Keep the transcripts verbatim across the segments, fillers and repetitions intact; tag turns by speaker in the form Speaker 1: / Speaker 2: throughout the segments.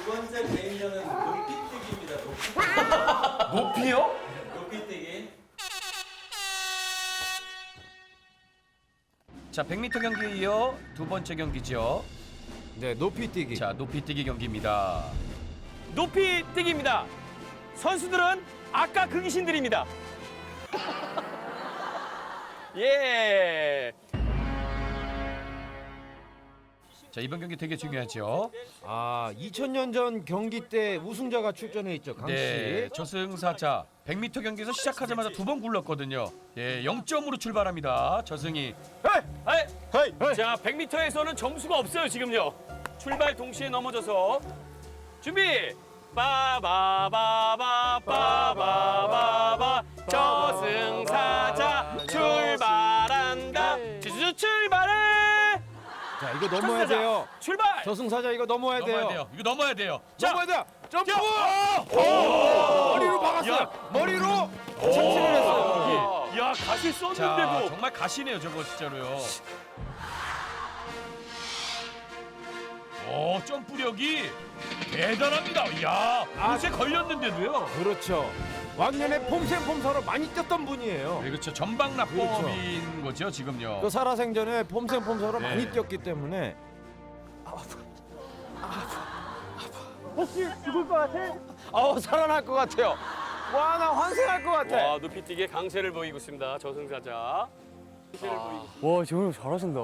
Speaker 1: 두 번째 개인전은 높이뛰기입니다. 높이뛰기.
Speaker 2: 높이요?
Speaker 1: 높이뛰기.
Speaker 2: 자, 백 미터 경기에 이어 두 번째 경기죠.
Speaker 3: 네, 높이뛰기.
Speaker 2: 자, 높이뛰기 경기입니다.
Speaker 4: 높이뛰기입니다. 선수들은 아까 그 귀신들입니다. 예.
Speaker 2: 자, 이번 경기 되게 중요하죠.
Speaker 3: 아, 이천 년 전 경기 때 우승자가 출전해 있죠, 강 씨.
Speaker 2: 네, 저승사자 백 미터 경기에서 시작하자마자 두 번 굴렀거든요. 예, 영 점으로 출발합니다. 저승이.
Speaker 4: 헤이! 헤이! 자, 백 미터에서는 점수가 없어요, 지금요. 출발 동시에 넘어져서 준비! 빠바바바 빠바바바 저승사자 출발한다. 지수 출발해!
Speaker 3: 자, 이거 넘어야
Speaker 4: 저승사자,
Speaker 3: 돼요.
Speaker 4: 출발!
Speaker 3: 저승사자 이거 넘어야 돼요.
Speaker 2: 넘어야 돼요. 이거 넘어야 돼요.
Speaker 4: 자,
Speaker 3: 넘어야 돼요. 점프!
Speaker 4: 자,
Speaker 3: 머리로 박았어요.
Speaker 4: 야.
Speaker 3: 머리로 착지를 했어요.
Speaker 4: 야, 가시
Speaker 2: 자,
Speaker 4: 썼는데도
Speaker 2: 정말 가시네요, 저거 진짜로요. 오, 점프력이 대단합니다. 이야, 옷에 걸렸는데도요.
Speaker 3: 그렇죠. 왕년에 폼생폼사로 많이 뛰었던 분이에요.
Speaker 2: 네, 그렇죠. 전방납법인 거죠, 지금요.
Speaker 3: 그 살아생전에 폼생폼사로
Speaker 2: 네.
Speaker 3: 많이 뛰었기 때문에
Speaker 4: 혹시 죽을 것 같아?
Speaker 3: 아우 살아날 것 같아요. 와, 나 환생할 것 같아.
Speaker 4: 와, 높이뛰기에 강세를 보이고 있습니다. 저승사자. 강세를 보이고.
Speaker 5: 와, 정말 잘하신다.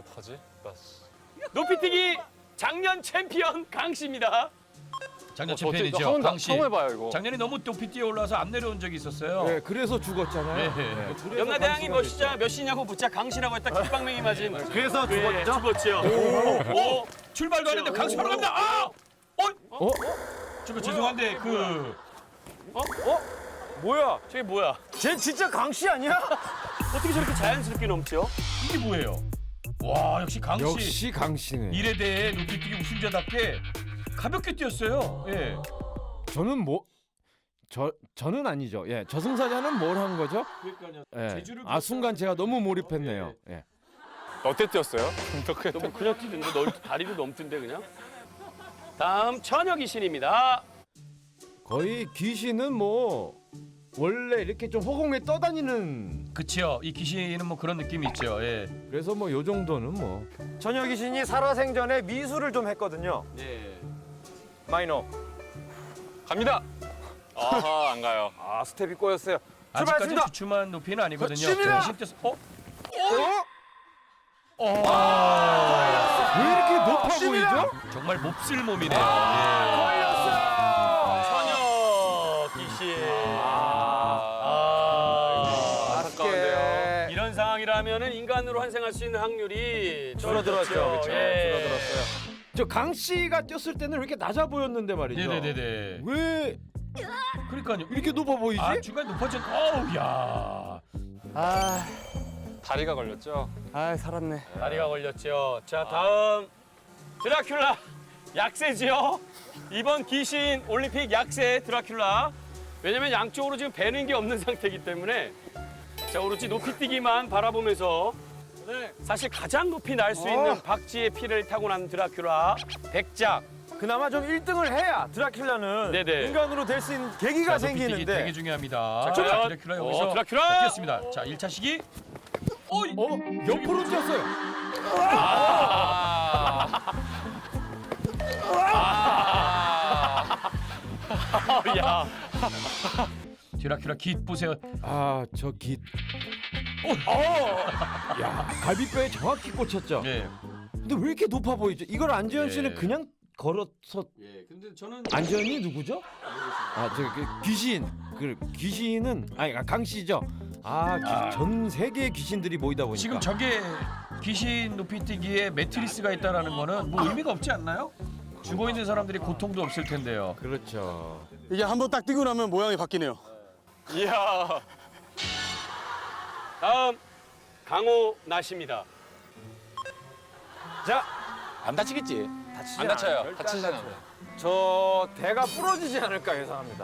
Speaker 4: 높이뛰기 작년 챔피언 강 씨입니다.
Speaker 2: 작년
Speaker 5: 어,
Speaker 2: 챔피언이죠,
Speaker 5: 저 처음,
Speaker 2: 강 씨.
Speaker 5: 처음 해봐요, 이거.
Speaker 2: 작년에 너무 높이 뛰어 올라서 안 내려온 적이 있었어요.
Speaker 3: 네, 그래서 죽었잖아요.
Speaker 2: 네.
Speaker 3: 그래서
Speaker 4: 연나대왕이
Speaker 3: 강씨가
Speaker 4: 몇 시자 몇 시냐고 묻자 강 씨라고 했다 깃방맹이 맞은.
Speaker 3: 그래서
Speaker 4: 예, 죽었죠.
Speaker 2: 오, 출발도 안 했는데 강수 바로 갑니다. 아! 어?
Speaker 3: 어?
Speaker 2: 저거 죄송한데 그
Speaker 3: 뭐야?
Speaker 4: 저게 뭐야?
Speaker 3: 쟤 진짜 강씨 아니야?
Speaker 4: 어떻게 저렇게 자연스럽게 넘죠?
Speaker 2: 이게 뭐예요? 와, 역시 강씨.
Speaker 3: 역시 강씨네.
Speaker 2: 일에 대해 높이뛰기 우승자답게 가볍게 뛰었어요. 예.
Speaker 3: 저는 뭐 저, 저는 아니죠. 예, 저승사자는 뭘 한 거죠?
Speaker 2: 그러니까요.
Speaker 3: 예.
Speaker 2: 제주를
Speaker 3: 아, 순간 제가 너무 몰입했네요. 예.
Speaker 5: 어때 뛰었어요?
Speaker 4: 너무 그냥 뛰던데 널 다리도 넘던데 그냥. 다음 처녀 귀신입니다.
Speaker 3: 거의 귀신은 뭐 원래 이렇게 좀 허공에 떠다니는,
Speaker 2: 그치요. 이 귀신은 뭐 그런 느낌이 있죠. 예.
Speaker 3: 그래서 뭐 요 정도는 뭐.
Speaker 6: 처녀 귀신이 살아생전에 미술을 좀 했거든요.
Speaker 4: 네.
Speaker 6: 마이너.
Speaker 5: 갑니다. 아하, 안 가요.
Speaker 6: 아, 스텝이 꼬였어요.
Speaker 2: 아직까지
Speaker 6: 출발했습니다.
Speaker 2: 주춤한 높이는 아니거든요.
Speaker 6: 거칩니다.
Speaker 2: 이십 대에서 어?
Speaker 6: 어?
Speaker 2: 어.
Speaker 3: 왜 이렇게 높아 보이죠?
Speaker 2: 정말 몹쓸 몸이네요.
Speaker 4: 처녀 귀신. 아,
Speaker 5: 안타까운데요.
Speaker 4: 예. 이런 상황이라면은 인간으로 환생할 수 있는 확률이
Speaker 6: 줄어들었죠.
Speaker 4: 줄어들었죠.
Speaker 6: 그렇죠.
Speaker 4: 예.
Speaker 6: 줄어들었어요.
Speaker 3: 저 강 씨가 뛰었을 때는 왜 이렇게 낮아 보였는데 말이죠.
Speaker 2: 네네네네.
Speaker 3: 왜
Speaker 2: 그러니까요.
Speaker 3: 이렇게 높아 보이지?
Speaker 2: 아, 중간 높아진. 어우, 야.
Speaker 5: 아, 다리가 걸렸죠? 아, 살았네.
Speaker 4: 다리가 걸렸죠. 자, 다음 드라큘라 약세지요. 이번 귀신 올림픽 약세 드라큘라. 왜냐면 양쪽으로 지금 배는 게 없는 상태이기 때문에 자, 오로지 높이뛰기만 바라보면서 사실 가장 높이 날 수 있는 박쥐의 피를 타고난 드라큘라 백작.
Speaker 6: 그나마 좀 일 등을 해야 드라큘라는
Speaker 4: 네네.
Speaker 6: 인간으로 될 수 있는 계기가
Speaker 2: 자, 높이뛰기
Speaker 6: 생기는데.
Speaker 2: 되게 중요합니다.
Speaker 4: 자,
Speaker 2: 자,
Speaker 4: 과연-
Speaker 2: 드라큘라
Speaker 4: 어,
Speaker 2: 여기서
Speaker 4: 드라큘라!
Speaker 2: 자, 뛰었습니다. 자, 일 차 시기. 어이.
Speaker 3: 어? 옆으로 뛰었어요.
Speaker 4: 야,
Speaker 2: 드라큘라 깃 보세요.
Speaker 3: 아, 저 깃.
Speaker 2: 어.
Speaker 3: 야, 갈비뼈에 정확히 꽂혔죠.
Speaker 2: 네.
Speaker 3: 근데 왜 이렇게 높아 보이죠? 이걸 안재현 씨는
Speaker 2: 예.
Speaker 3: 그냥 걸어서.
Speaker 4: 예, 근데 저는
Speaker 3: 안재현이 누구죠? 아, 저 그 귀신. 그 귀신은 아니 강 씨죠. 아, 귀- 전 세계의 귀신들이 모이다 보니까.
Speaker 2: 지금 저게 귀신 높이뛰기에 매트리스가 있다라는 거는 뭐 의미가 없지 않나요? 죽어 있는 사람들이 고통도 없을 텐데요.
Speaker 3: 그렇죠.
Speaker 7: 이게 한 번 딱 뛰고 나면 모양이 바뀌네요.
Speaker 4: 이야. 다음 강호 나시입니다.
Speaker 6: 자,
Speaker 5: 안 다치겠지?
Speaker 6: 다치지
Speaker 5: 안 다쳐요.
Speaker 6: 않아요. 절대
Speaker 5: 다치지
Speaker 6: 안
Speaker 5: 않아요.
Speaker 6: 다쳐요. 저 대가 부러지지 않을까 예상합니다.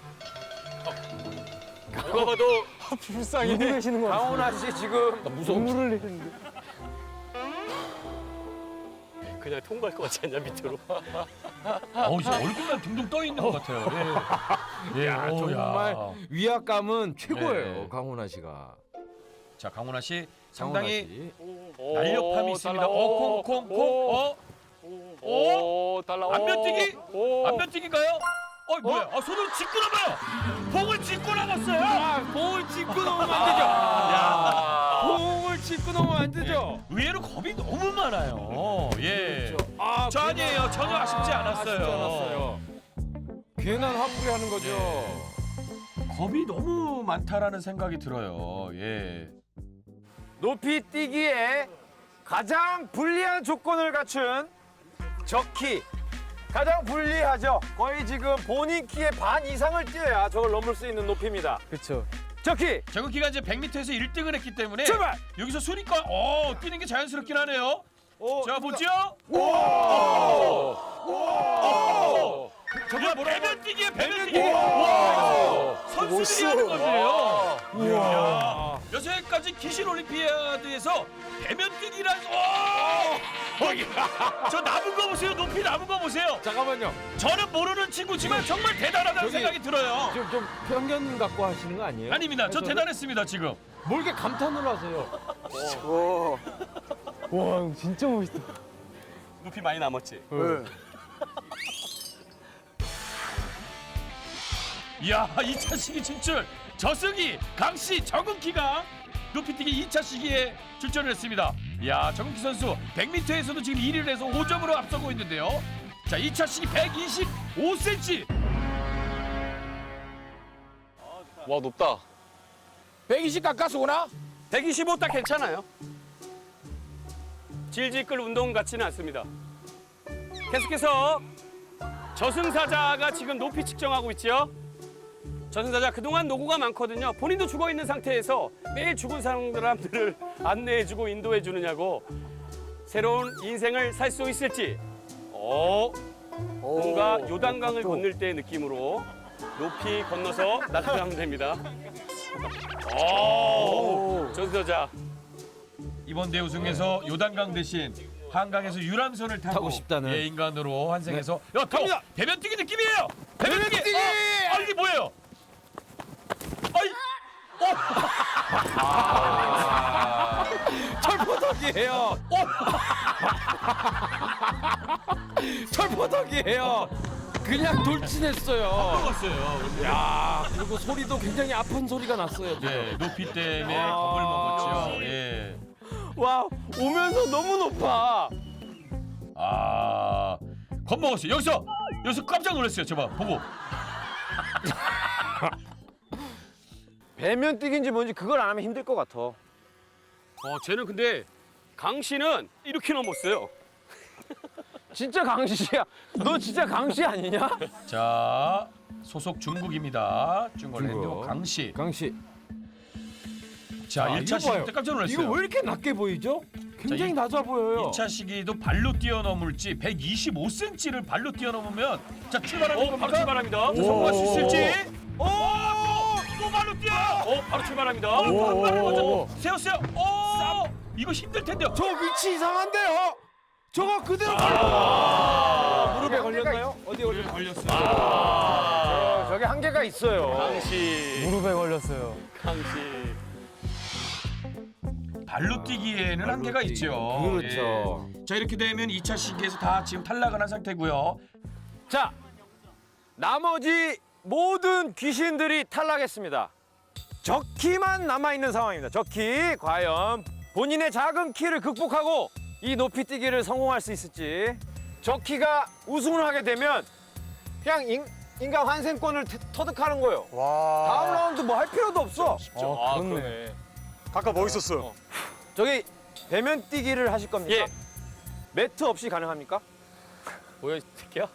Speaker 4: 누가 봐도
Speaker 5: 불쌍해.
Speaker 7: 누구 계시는 거
Speaker 6: 강호나 씨 지금
Speaker 5: 무서워.
Speaker 7: 눈물을 흘리는데.
Speaker 4: 그냥 통과할 것 같지 않냐 밑으로.
Speaker 2: 어, 이제 얼굴만 둥둥 떠 있는 것 같아요. 예. 예.
Speaker 3: 야,
Speaker 2: 오,
Speaker 3: 정말
Speaker 2: 야.
Speaker 3: 위압감은 최고예요.
Speaker 2: 네.
Speaker 3: 강훈아 씨가.
Speaker 2: 자, 강훈아 씨
Speaker 3: 강훈아
Speaker 2: 상당히
Speaker 3: 씨.
Speaker 4: 오,
Speaker 2: 날렵함이 있습니다. 어, 콩, 콩, 콩. 어,
Speaker 4: 오, 달라.
Speaker 2: 안면뛰기?
Speaker 4: 오.
Speaker 2: 안면뛰기인가요? 어, 뭐야? 아, 손을 짚고 나가요. 봉을 짚고 나갔어요.
Speaker 3: 아, 공을 짚고 넘으면 안 되죠. 야, 공을 짚고 넘으면 안 되죠.
Speaker 2: 의외로 겁이 너무 많아요. 예.
Speaker 3: 아,
Speaker 2: 저 아니에요. 전혀 아쉽지 않았어요.
Speaker 3: 아쉽지 않았어요. 괜한 화풀이 하는 거죠.
Speaker 2: 겁이 너무 많다라는 생각이 들어요. 예.
Speaker 6: 높이 뛰기에 가장 불리한 조건을 갖춘 저키. 가장 불리하죠. 거의 지금 본인 키의 반 이상을 뛰어야 저걸 넘을 수 있는 높이입니다.
Speaker 5: 그렇죠.
Speaker 6: 저키
Speaker 2: 저기가 이제 백 미터에서 일 등을 했기 때문에
Speaker 6: 출발!
Speaker 2: 여기서 순위권 어, 뛰는 게 자연스럽긴 하네요. 자, 보죠. 저게 뭐라 배면 뛰기에 배면 뛰기. 와, 선수들이 하는 건데요. 이야. 여태까지 기신 올림피아드에서 배면 뛰기란 와! 저 남은 거 보세요. 높이 남은 거 보세요.
Speaker 3: 잠깐만요.
Speaker 2: 저는 모르는 친구지만 정말 대단하다는
Speaker 3: 저기-
Speaker 2: 생각이 들어요.
Speaker 3: 지금 좀 편견 갖고 하시는 거 아니에요?
Speaker 2: 아닙니다. 저
Speaker 3: 해설을?
Speaker 2: 대단했습니다, 지금.
Speaker 3: 뭘 이렇게 감탄을 하세요?
Speaker 5: 와, 형 진짜 멋있다.
Speaker 4: 높이 많이 남았지.
Speaker 2: 이야, 이 차 시기 진출. 저승희, 강씨, 정은키가 높이뛰기 이 차 시기에 출전을 했습니다. 이야, 정은키 선수 백 미터에서도 지금 일 위를 해서 오 점으로 앞서고 있는데요. 자, 이 차 시기 백이십오 센티미터.
Speaker 5: 와, 높다.
Speaker 3: 백이십 가까스구나?
Speaker 4: 백이십오 딱 괜찮아요. 질질 끌 운동 같지는 않습니다. 계속해서 저승사자가 지금 높이 측정하고 있죠. 저승사자 그동안 노고가 많거든요. 본인도 죽어 있는 상태에서 매일 죽은 사람들을 안내해주고 인도해주느냐고 새로운 인생을 살 수 있을지. 어, 뭔가 요단강을 건널 때의 느낌으로 높이 건너서 나타나면 됩니다. 오, 저승사자.
Speaker 2: 이번 대우승에서 요단강 대신 한강에서 유람선을 타고,
Speaker 3: 타고 싶다는.
Speaker 2: 예, 인간으로 환생해서 야, 또
Speaker 3: 갑니다.
Speaker 2: 배면뛰기 느낌이에요. 배면뛰기. 어, 아, 이게 뭐예요? 아이,
Speaker 3: 철포덕이에요. 철포덕이에요. 그냥 돌진했어요.
Speaker 2: 먹었어요.
Speaker 3: 야, 그리고 소리도 굉장히 아픈 소리가 났어요.
Speaker 2: 예, 높이 때문에
Speaker 3: 아.
Speaker 2: 겁을 먹었죠. 예.
Speaker 6: 와 오면서 너무 높아.
Speaker 2: 아, 겁먹었어요. 여기서 여기서 깜짝 놀랐어요. 저봐 보고.
Speaker 6: 배면 뛰기인지 뭔지 그걸 안 하면 힘들 것 같아.
Speaker 4: 어, 쟤는 근데 강 씨는 이렇게 넘었어요.
Speaker 6: 진짜 강시야. 너 진짜 강시 아니냐?
Speaker 2: 자, 소속 중국입니다. 중국랜드
Speaker 3: 중국.
Speaker 2: 강씨.
Speaker 3: 강씨.
Speaker 2: 자,
Speaker 3: 아,
Speaker 2: 일 차
Speaker 3: 이거
Speaker 2: 시기
Speaker 3: 봐요.
Speaker 2: 때 깜짝 놀랐어요.
Speaker 3: 이거 왜 이렇게 낮게 보이죠? 굉장히
Speaker 2: 이-
Speaker 3: 낮아 보여요.
Speaker 2: 이 차 시기도 발로 뛰어넘을지 백이십오 센티미터를 발로 뛰어넘으면 자, 출발하는
Speaker 4: 어,
Speaker 2: 겁니까?
Speaker 4: 바로 출발합니다.
Speaker 2: 자, 성공할 수 있을지.
Speaker 4: 오,
Speaker 2: 또 발로 뛰어.
Speaker 4: 어, 바로 출발합니다.
Speaker 2: 어, 발을 먼저 세웠어요. 오, 이거 힘들 텐데요.
Speaker 3: 저 위치 이상한데요? 저거 그대로
Speaker 6: 아,
Speaker 3: 무릎에 걸렸나요? 어디에 걸렸나요?
Speaker 2: 걸렸어요.
Speaker 6: 어, 저기 한계가 있어요.
Speaker 4: 강 씨,
Speaker 5: 무릎에 걸렸어요.
Speaker 4: 강 씨.
Speaker 2: 발로 뛰기에는 한계가
Speaker 3: 뛰기.
Speaker 2: 있죠.
Speaker 3: 그렇죠.
Speaker 2: 예. 자, 이렇게 되면 이 차 시기에서 다 지금 탈락을 한 상태고요.
Speaker 6: 자 나머지 모든 귀신들이 탈락했습니다. 저키만 남아 있는 상황입니다. 저키 과연 본인의 작은 키를 극복하고 이 높이 뛰기를 성공할 수 있을지. 저키가 우승을 하게 되면 그냥 인, 인간 환생권을 태- 터득하는 거예요.
Speaker 7: 와.
Speaker 6: 다음 라운드 뭐 할 필요도 없어.
Speaker 5: 아, 그러네.
Speaker 7: 아까 멋있었어요.
Speaker 6: 저기 배면 뛰기를 하실 겁니까?
Speaker 4: 예.
Speaker 6: 매트 없이 가능합니까?
Speaker 4: 뭐야, 이 새끼야?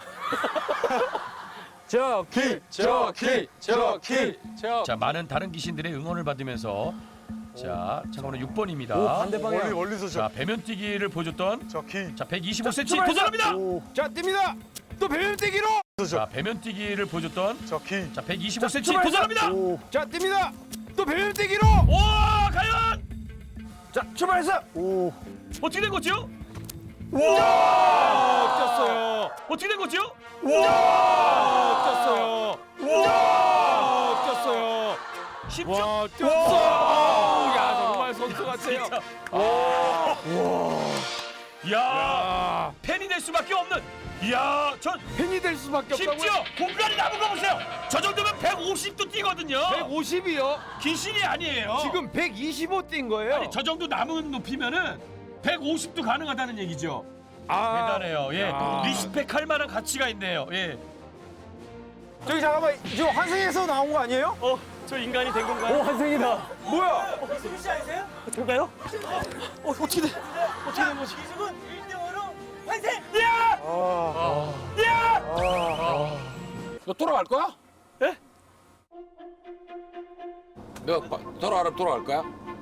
Speaker 5: 저키, 저키, 저키, 저.
Speaker 2: 자, 많은 다른 귀신들의 응원을 받으면서 자, 참고로 육 번입니다.
Speaker 7: 멀리 멀리서
Speaker 2: 자,
Speaker 7: 저,
Speaker 2: 배면 뛰기를 보여줬던
Speaker 7: 저 키.
Speaker 2: 자, 백이십오 센티미터 도전합니다.
Speaker 7: 오,
Speaker 3: 자, 뜁니다. 또 배면 뛰기로.
Speaker 2: 자, 배면 뛰기를 보여줬던
Speaker 7: 저 키.
Speaker 2: 자, 백이십오 센티미터 도전합니다.
Speaker 7: 오,
Speaker 3: 자, 뜁니다. 또 배면 뛰기로.
Speaker 2: 오, 과연
Speaker 6: 자 출발했어.
Speaker 7: 오.
Speaker 2: 어떻게 된 거죠?
Speaker 6: 와, 뛰었어요.
Speaker 2: 어떻게 된 거죠?
Speaker 6: 와, 뛰었어요. 와, 뛰었어요.
Speaker 2: 쉽죠?
Speaker 6: 와, 뛰었어. 야, 정말 선수 같아요.
Speaker 2: 이야, 팬이 될 수밖에 없는. 이야, 전
Speaker 6: 팬이 될 수밖에 없다고요?
Speaker 2: 심지어 공간이 남은 거 보세요. 저 정도면 백오십도 뛰거든요.
Speaker 6: 백오십이요?
Speaker 2: 귀신이 아니에요.
Speaker 6: 지금 백이십오 뛴 거예요.
Speaker 2: 아니, 저 정도 남은 높이면은 백오십도 가능하다는 얘기죠.
Speaker 6: 아,
Speaker 2: 대단해요. 예,
Speaker 6: 야.
Speaker 2: 리스펙할 만한 가치가 있네요. 예.
Speaker 6: 저기 잠깐만, 지금 환승에서 나온 거 아니에요?
Speaker 4: 어, 저 인간이 된 건가요?
Speaker 6: 환승이다. 뭐야?
Speaker 4: 저가요? 어, 어떻게 돼? 어떻게 된 거지?
Speaker 8: 너 돌아갈 거야?
Speaker 4: 예?
Speaker 8: 너 돌아가면 돌아갈 거야?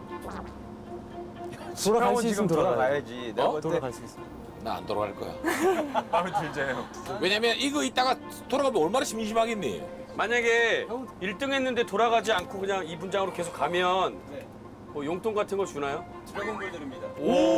Speaker 6: 돌아갈 수 있으면 돌아가야지.
Speaker 8: 내가 어? 돌아갈 수 있어. 나 안 돌아갈 거야. 마음에 들잖아요. 왜냐면 이거 이따가 돌아가면 얼마나 심심하겠니?
Speaker 4: 만약에 일 등 했는데 돌아가지 않고 그냥 이 분장으로 계속 가면 뭐 용돈 같은 거 주나요?
Speaker 1: 드래곤볼 드립니다.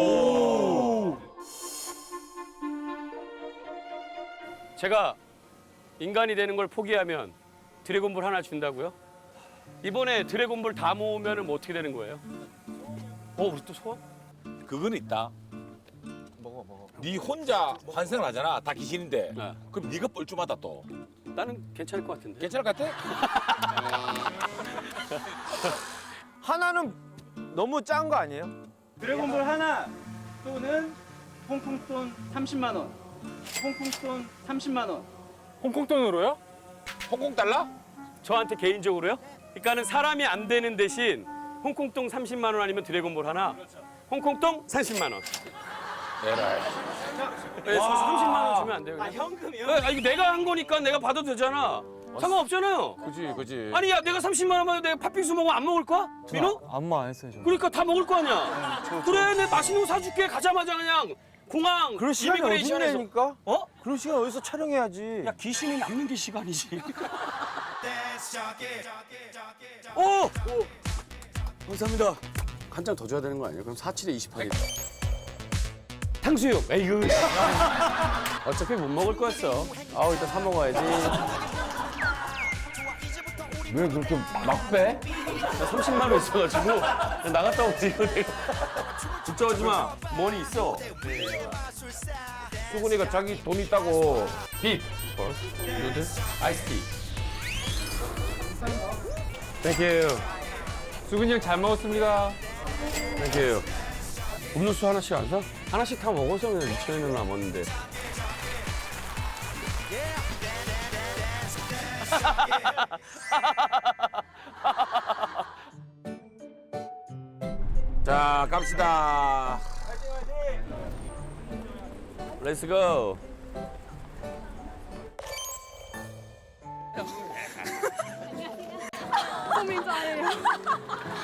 Speaker 4: 제가 인간이 되는 걸 포기하면 드래곤볼 하나 준다고요? 이번에 드래곤볼 다 모으면 뭐 어떻게 되는 거예요? 어, 우리 또 소원?
Speaker 8: 그건 있다. 먹어 먹어. 네 혼자 환생을 하잖아. 다 귀신인데.
Speaker 4: 네.
Speaker 8: 그럼 네가 뻘쭘하다 또.
Speaker 4: 나는 괜찮을 것 같은데.
Speaker 8: 괜찮을 것 같아?
Speaker 6: 하나는 너무 짠 거 아니에요?
Speaker 9: 드래곤볼 하나 또는 홍콩돈 삼십만 원. 홍콩돈 삼십만 원.
Speaker 5: 홍콩 돈으로요?
Speaker 8: 홍콩 달러?
Speaker 4: 저한테 개인적으로요? 그러니까는 사람이 안 되는 대신 홍콩동 삼십만 원 아니면 드래곤볼 하나. 홍콩동 삼십만 원.
Speaker 8: 에라이.
Speaker 4: 네, 삼십만 원 주면 안 돼요?
Speaker 9: 아 현금이요?
Speaker 4: 아, 이거 내가 한 거니까 내가 받아도 되잖아. 상관없잖아요.
Speaker 5: 그지 그지.
Speaker 4: 아니 야 내가 삼십만 원만 내가 팥빙수 먹으면 안 먹을 거야? 민호?
Speaker 5: 아무 말 안 했어요 저.
Speaker 4: 그러니까 다 먹을 거 아니야. 그래 내 맛있는 거 사줄게. 가자마자 그냥 공항
Speaker 6: 그럴 시간이 어디
Speaker 4: 이미그레이션에서.
Speaker 6: 내니까?
Speaker 4: 어?
Speaker 6: 그럴 시간 어디서 촬영해야지.
Speaker 4: 야 귀신이 남는 게 시간이지. 오! 감사합니다. 한 장 더 줘야 되는 거 아니에요? 그럼 사칠에 이십하겠다. 탕수육. 에이구. 어차피 못 먹을 거였어. 아우 이따 사 먹어야지.
Speaker 6: 왜 그렇게 막 빼?
Speaker 4: 나 삼십만 원 있어가지고 그냥 나갔다 오지 이거 내가. 걱정하지 마. 머니 있어.
Speaker 6: 수근이가 자기 돈 있다고.
Speaker 4: 빅. 누들. 아이스티. 땡큐.
Speaker 5: 수근이 형 잘 먹었습니다.
Speaker 4: 땡큐. 음료수 하나씩 안 사? 하나씩 다 먹어서 그냥 이천 원이나 남았는데.
Speaker 8: 자, 갑시다.
Speaker 4: Let's go.
Speaker 10: 소민자예요.